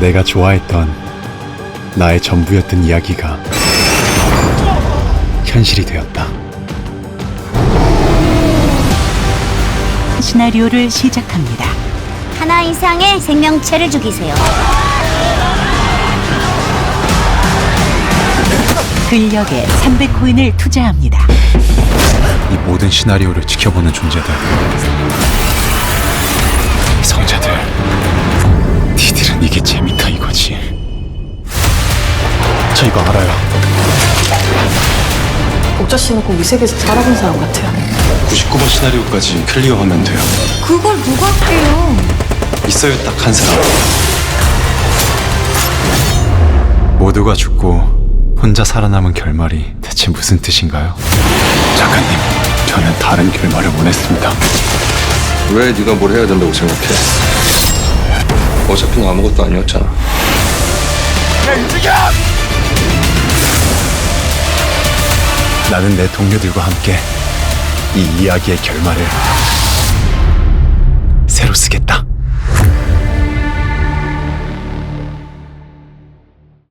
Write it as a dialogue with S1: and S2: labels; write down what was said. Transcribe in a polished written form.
S1: 내가 좋아했던 나의 전부였던 이야기가 현실이 되었다.
S2: 시나리오를 시작합니다.
S3: 하나 이상의 생명체를 죽이세요.
S2: 근력에 300코인을 투자합니다.
S1: 이 모든 시나리오를 지켜보는 존재들, 성자들, 니들은 이게 재밌다 이거지. 저 이거 알아요.
S4: 옥자 씨는 꼭 이 세계에서 살아본 사람 같아요.
S1: 99번 시나리오까지 클리어하면 돼요.
S3: 그걸 누가 할게요?
S1: 있어요, 딱 한 사람. 모두가 죽고 혼자 살아남은 결말이 대체 무슨 뜻인가요? 작가님, 저는 다른 결말을 원했습니다.
S5: 왜 네가 뭘 해야 된다고 생각해? 어차피 너 아무것도 아니었잖아.
S1: 나는 내 동료들과 함께 이 이야기의 결말을 새로 쓰겠다.